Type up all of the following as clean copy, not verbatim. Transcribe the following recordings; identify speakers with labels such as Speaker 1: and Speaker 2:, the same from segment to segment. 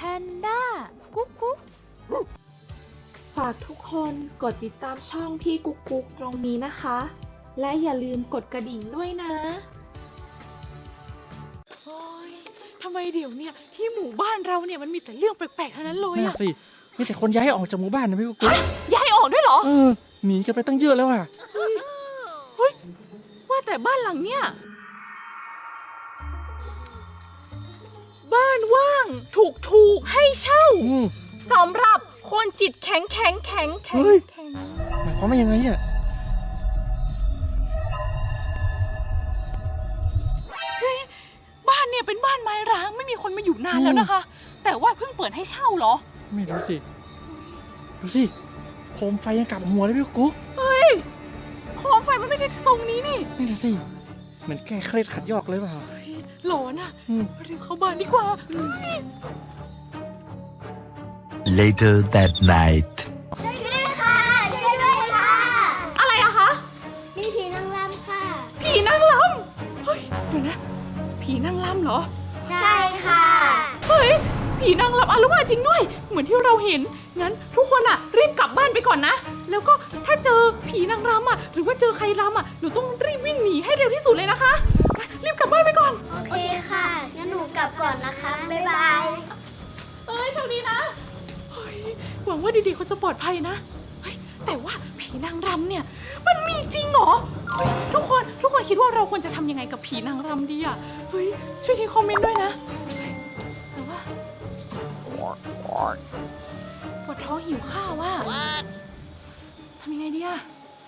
Speaker 1: นด้ากุ๊กกุ๊ก
Speaker 2: ฝากทุกคนกดติดตามช่องพี่กุ๊กกุ๊กตรงนี้นะคะ และอย่าลืมกดกระดิ่งด้วยนะ
Speaker 1: โอ้ยทำไมเดี๋ยวเนี่ยที่หมู่บ้านเราเนี่ยมันมีแต่เรื่องแปลกๆทั้งนั้นเลยอะ
Speaker 3: สิมีแต่คนย้ายออกจากหมู่บ้านนะพี่กุ๊ก
Speaker 1: ย้ายออกด้วยเหรอ
Speaker 3: หนีกันไปตั้งเยอะแล้วอ่ะ
Speaker 1: เฮ้ยว่าแต่บ้านหลังเนี่ยบ้านว่างถูกให้เช่าสำหรับคนจิตแข็งหมาย
Speaker 3: ความว่ายังไงอ่ะ
Speaker 1: บ้านเนี่ยเป็นบ้านไม้ร้างไม่มีคนมาอยู่นานแล้วนะคะแต่ว่าเพิ่งเปิดให้เช่าเหรอ
Speaker 3: ไม่รู้สิดูสิโคมไฟยังกลับหัวเลยพี่กุ๊ก
Speaker 1: เฮ้ยโคมไฟมันไม่ได้ทรงนี้นี่
Speaker 3: ดูสิเหมือนแก้เครียดขัดยอกเลยเปล่า
Speaker 1: หลอนอ่ะเรียกเข้าบ้านดีกว่า
Speaker 4: Later that night
Speaker 5: ช่วยด้วยค่ะช่วยด้วยค่ะ
Speaker 1: อะไรอะคะ
Speaker 5: มีผีนางรำค่ะ
Speaker 1: ผีนางรำเฮ้ยเดี๋ยวนะผีนางรำเหรอ
Speaker 5: ใช่ค่ะ
Speaker 1: เฮ้ยผีนางรำอาละวาดจริงด้วยเหมือนที่เราเห็นงั้นทุกคนอะรีบกลับบ้านไปก่อนนะแล้วก็ถ้าเจอผีนางรำอะหรือว่าเจอใครรำอะหนูต้องรีบวิ่งหนีให้เร็วที่สุดเลยนะคะรีบกลับบ้านไปก่อน
Speaker 5: โอเคค่ะงั้นหนูกลับก่อนนะคะบ๊ายบาย
Speaker 1: โชคดีนะเฮ้ยหวังว่าเด็กๆเขาจะปลอดภัยนะเฮ้ยแต่ว่าผีนางรำเนี่ยมันมีจริงเหรอเฮ้ยทุกคนคิดว่าเราควรจะทำยังไงกับผีนางรำดีอะเฮ้ยช่วยทิ้งคอมเมนต์ด้วยนะแต่ว่าปวดท้องหิวข้าวอะทำยังไงดีอะ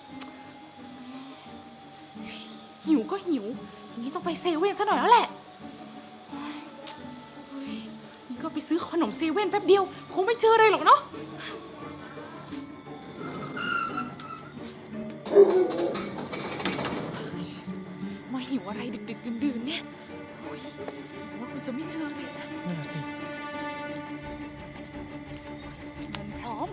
Speaker 1: หิวก็หิวอย่างนี้ต้องไปเซเว่นซะหน่อยแล้วแหละนี่ก็ไปซื้อขนมเซเว่นแป๊บเดียวคงไม่เจออะไรหรอกเนาะมาหิวอะไรดึกๆดื่นๆเนี่ยว่าคุณจะไม่เจอเลยนะ
Speaker 3: นั่นแหละสิ
Speaker 1: มันพร้อม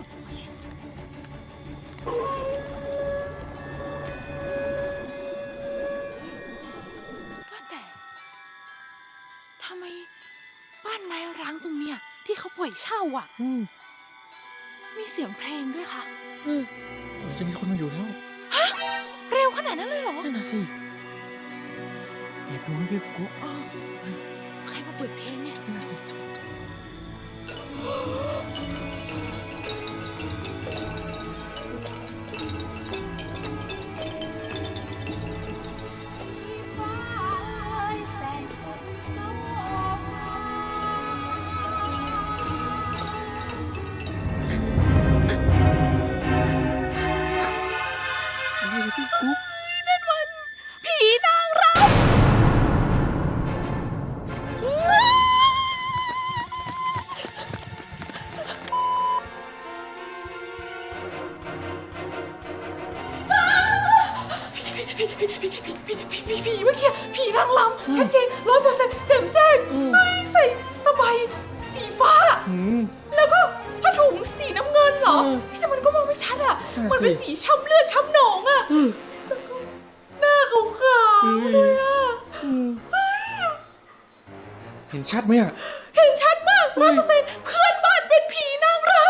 Speaker 1: ว่าแต่ทำไมบ้านไม้ร้างตรงเนี้ยที่เขาปล่อยเช่าอ่ะมีเสียงเพลงด้วยค่ะ
Speaker 3: จะมีคนมาอยู่แล้ว
Speaker 1: ฮะเร็วขนาดนั้นเลยเหรอ
Speaker 3: นั่นน่ะสิเดี๋ยวดูพี่กุ๊ก
Speaker 1: ใครมาเปิดเพลงเนี่ย
Speaker 3: พี่กุ๊ก
Speaker 1: นั่นมันผีนางรำผีเมื่อกี้ผีนางรำชัดเจน100%แจ่มแจ้งใส่สบายสีฟ้าแล้วก็ผ้าถุงสีน้ำเงินเหรอแต่มันก็มองไม่ชัดอ่ะมันเป็นสีช้ำเลือดช้ำหนองอ่ะหน้าขาวๆเลยอ่ะ
Speaker 3: เห็นชัดไหมอ่ะ
Speaker 1: เห็นชัดมาก100%เพื่อนบ้านเป็นผีนางรำ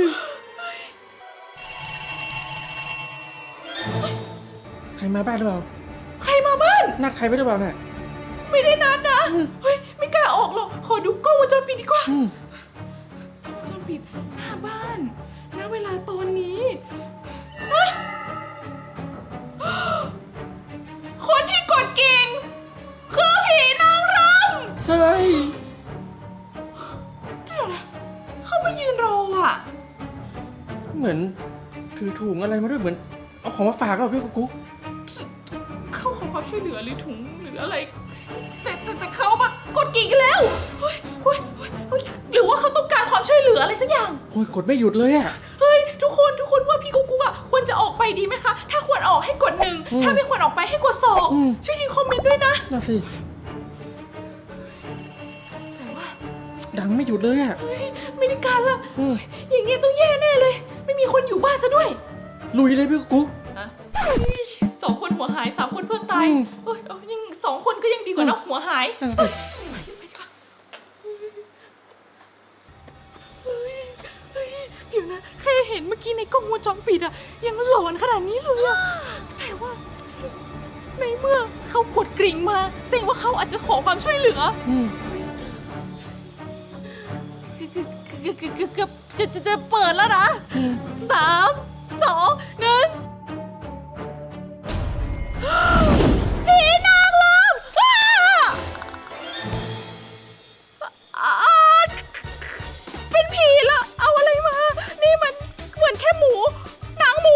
Speaker 3: ใครมาบ้านหรือเปล่า
Speaker 1: ใครมาบ้าน
Speaker 3: นัดใครไว้หรือเปล่าเนี่ย
Speaker 1: ไม่ได้นัดนะเฮ้ยไม่กล้าออกหรอกขอดูกล้องวงจรปิดดีกว่าวงจรปิดหน้าบ้านณเวลาตอนนี้คนที่กดกิ่งคือผีนางรำ
Speaker 3: เฮ้ย
Speaker 1: เดี๋ยวนะเขามายืนรออ่ะ
Speaker 3: เหมือนถือถุงอะไรมาด้วยเหมือนเอาของมาฝากก็พี่กุ๊ก
Speaker 1: เขาขอความช่วยเหลือหรือถุงหรืออะไรแต่เขามากดกิ่งแล้วเฮ้ยหรือว่าเขาต้องการความช่วยเหลืออะไรสักอย่าง
Speaker 3: โอ้ยกดไม่หยุดเลยอ่ะ
Speaker 1: เฮ้ยทุกคนว่าพี่กุ๊กอ่ะควรจะออกไปดีไหมคะถ้าควรออกให้กด1ถ้าไม่ควรออกไปให้กด2ช่วยทิ้งคอมเมนต์ด้วยนะ
Speaker 3: น่าสิดังไม่หยุดเลยอ่ะ
Speaker 1: ไม่ได้การละอย่างเงี้ยต้องแย่แน่เลยไม่มีคนอยู่บ้านซะด้วย
Speaker 3: ลุยเลยพี่กุ๊ก
Speaker 1: 2 คนหัวหาย3 คนเพิ่งตายยัง2 คนก็ยังดีกว่านะหัวหายดี๋ยวนะแค่เห็นเมื่อกี้ในกล้องวงจรปิดอะยังหลอนขนาดนี้เลยอะแต่ว่าในเมื่อเขากดกริ่งมาแสดงว่าเขาอาจจะขอความช่วยเหลือเกือบจะเปิดแล้วนะ3 2 1ผีนางรำเป็นผีละเอาอะไรมา นี่มันเหมือนแค่หมูหนังหมู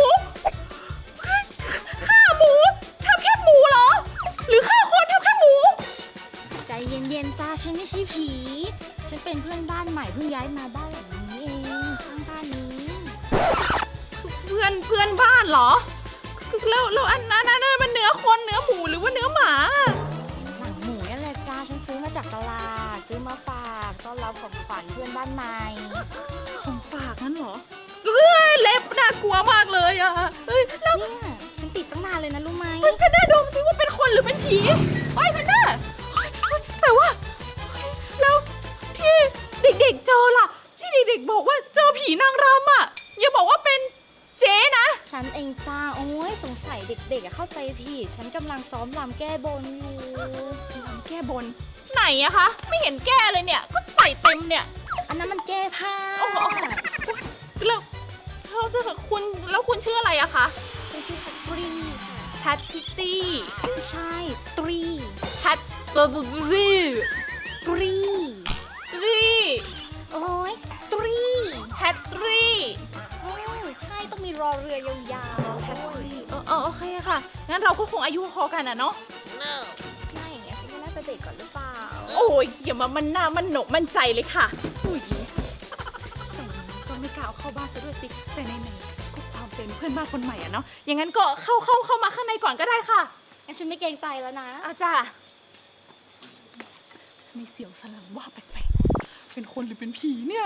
Speaker 1: ฆ่าหมูทำแค่หมูเหรอหรือฆ่าคนทำแค่หมู
Speaker 6: ใจเย็นๆจ้าฉันไม่ใช่ผี ฉันเป็นเพื่อนบ้านใหม่เพิ่งย้ายมาบ้านหลังนี้เองข้างบ้านนี้
Speaker 1: เพื่อนบ้านเหรอแล้วอันนั้นมันเนื้อคนเนื้อหมูหรือว่าเนื้อหมา
Speaker 6: หนังหมูนี่แหละจ้าฉันซื้อมาจากตลาดซื้อมาฝากต้อนรับของขวัญเพื่อนบ้านใหม่
Speaker 1: ของฝากนั่นเหรอเล็บน่ากลัวมากเลยอะแล้ว
Speaker 6: เนี่ยฉันติดตั้งนานเลยนะรู้ไหม
Speaker 1: แพนด้าดมซิว่าเป็นคนหรือเป็นผีไอ้แพนด้าแต่ว่าแล้วที่เด็กๆเจอล่ะที่เด็กๆบอกว่าเจอผีนางรำอะอย่าบอกว่าเป็นเจ๊นะ
Speaker 6: ฉันเองจ้าโอ้ยสงสัยเด็กๆเข้าใจผิดฉันกำลังซ้อมรำแก้บนอยู่
Speaker 1: รำแก้บนไหนอะคะไม่เห็นแก้เลยเนี่ยก็ใส่เต็มเนี่ย
Speaker 6: อันนั้นมันแก้ผ้า
Speaker 1: แล้วคุณชื่ออะไรอะคะ
Speaker 6: ฉันชื่อแพตรีค่ะ
Speaker 1: แพทติตี้
Speaker 6: ไม่ใช่ตรี
Speaker 1: แพทเบอร์บูบี
Speaker 6: ตรี
Speaker 1: รี
Speaker 6: โอ้ยตรี
Speaker 1: แพทรี
Speaker 6: โอ้ยใช่ต้องมีรอเรือยาวๆแพตรี
Speaker 1: โอเคค่ะงั้นเราก็คงอายุพอกันอะเนาะ
Speaker 6: ไม่อย่างเงี้ยฉันก็น่าจะเด็กก่อนหรือเปล่า
Speaker 1: โอ้ยอย่ามามันหน้ามันหนกมั่นใจเลยค่ะอุ้ยแต่อย่างนี้ก็ไม่กล้าเอาเข้าบ้านซะด้วยสิแต่ในก็ความเป็นเพื่อนบ้านคนใหม่อะเนาะอย่างนั้นก็เข้ามาข้างในก่อนก็ได้ค่ะ
Speaker 6: งั้นฉันไม่เกรงใจแล้วนะ
Speaker 1: อาจ้ามีเสียงสลังว่าแปลกๆเป็นคนหรือเป็นผีเนี่ย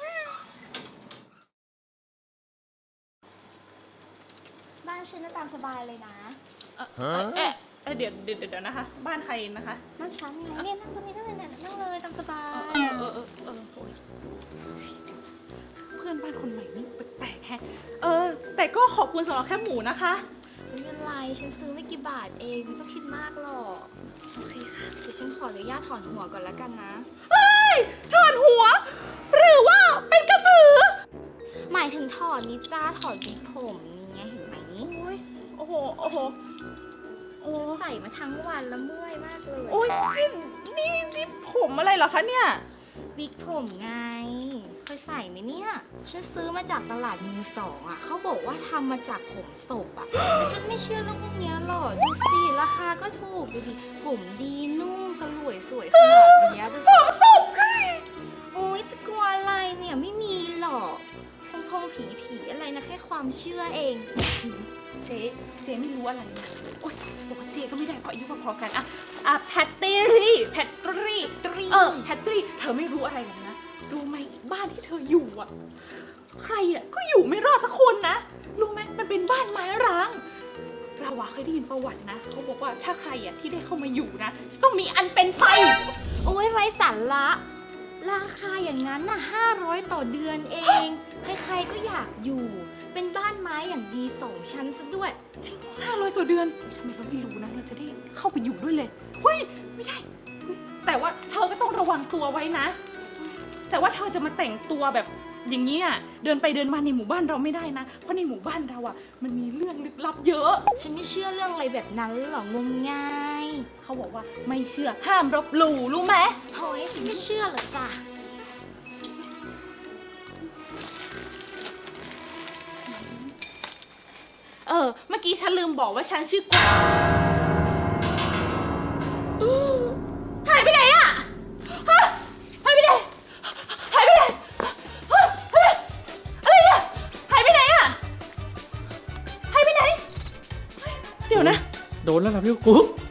Speaker 6: บ้านฉันน่าตามสบายเลยนะ
Speaker 1: เดี๋ยวนะคะ บ้านใครนะคะ
Speaker 6: บ้านฉันไงเนี่ยนั่งตรงนี้ได้เลยเนี่ยนั่งเลยตามสบาย
Speaker 1: โอ้ยเพื่อนบ้านคนใหม่นี่แปลกๆแฮะแต่ก็ขอบคุณสำหรับแค่หมูนะคะ
Speaker 6: ไม่เป็นไรฉันซื้อไม่กี่บาทเองไม่ต้องคิดมากหรอก
Speaker 1: โอเคค่ะ
Speaker 6: เดี๋ยวฉันขออนุญาตถอนหัวก่อนแล้วกันนะ
Speaker 1: เฮ้ยถอนหัว หรือว่าเป็นกระสือ
Speaker 6: หมายถึงถอนนิจ้าถอนวิกผมเนี่ยเห็นไหม
Speaker 1: โอ้โห
Speaker 6: ฉันใส่มาทั้งวันแล้วเมื่อยมากเลย
Speaker 1: โอ้ยนี่ผมอะไรเหรอคะเนี่ย
Speaker 6: วิกผมไงเคยใส่ไหมเนี่ยฉันซื้อมาจากตลาดมือสองอ่ะเขาบอกว่าทำมาจากผมศพอ่ะแต่ฉันไม่เชื่อเรื่องพวกเนี้ยหรอกดูสิราคาก็ถูกดูดิผมดีนุ่มสลวยสวยขนาดเนี้ยดูสิ
Speaker 1: ผมศพ
Speaker 6: โอ๊ยจะกลัวอะไรเนี่ยไม่มีหรอกพงผีอะไรนะแค่ความเชื่อเอง
Speaker 1: เจ๊ไม่รู้อะไรนะโอ๊ยบอกว่าเจ๊ก็ไม่ได้เพราะอายุพอๆกันอะแพตตี้แพตตี้เธอไม่รู้อะไรหรอกนะรู้ไหมบ้านที่เธออยู่อะใครอะก็อยู่ไม่รอดสักคนนะรู้ไหมมันเป็นบ้านไม้ร้างเราอะเคยได้ยินประวัตินะเขาบอกว่าถ้าใครอะที่ได้เข้ามาอยู่นะจะต้องมีอันเป็นไป
Speaker 6: โอ๊ยไร้สาระราคาอย่างนั้นน่ะ500 ต่อเดือนเอง ใครๆก็อยากอยู่ เป็นบ้านไม้อย่างดี2 ชั้นซะด้วย
Speaker 1: 500 ต่อเดือนทำไมเราไม่รู้นะเราจะได้เข้าไปอยู่ด้วยเลยเฮ้ยไม่ได้เฮ้ยแต่ว่าเธอก็ต้องระวังตัวไว้นะ แต่ว่าเธอจะมาแต่งตัวแบบอย่างนี้อ่ะเดินไปเดินมาในหมู่บ้านเราไม่ได้นะเพราะในหมู่บ้านเราอ่ะมันมีเรื่องลึกลับเยอะ
Speaker 6: ฉันไม่เชื่อเรื่องอะไรแบบนั้นหรอกงมงาย
Speaker 1: เขาบอกว่าไม่เชื่อห้ามรบหลู่รู้ไหม
Speaker 6: โอ้ยฉันไม่เชื่อหรอกจ้ะ
Speaker 1: เมื่อกี้ฉันลืมบอกว่าฉันชื่อหายไปไหนอะฮะหายไปไหนหายไปไหนฮะอะไรเนี่ยหายไปไหนอะหายไปไหนเดี๋ยวนะ
Speaker 3: โดนแล้วล่ะพี่กุ๊ก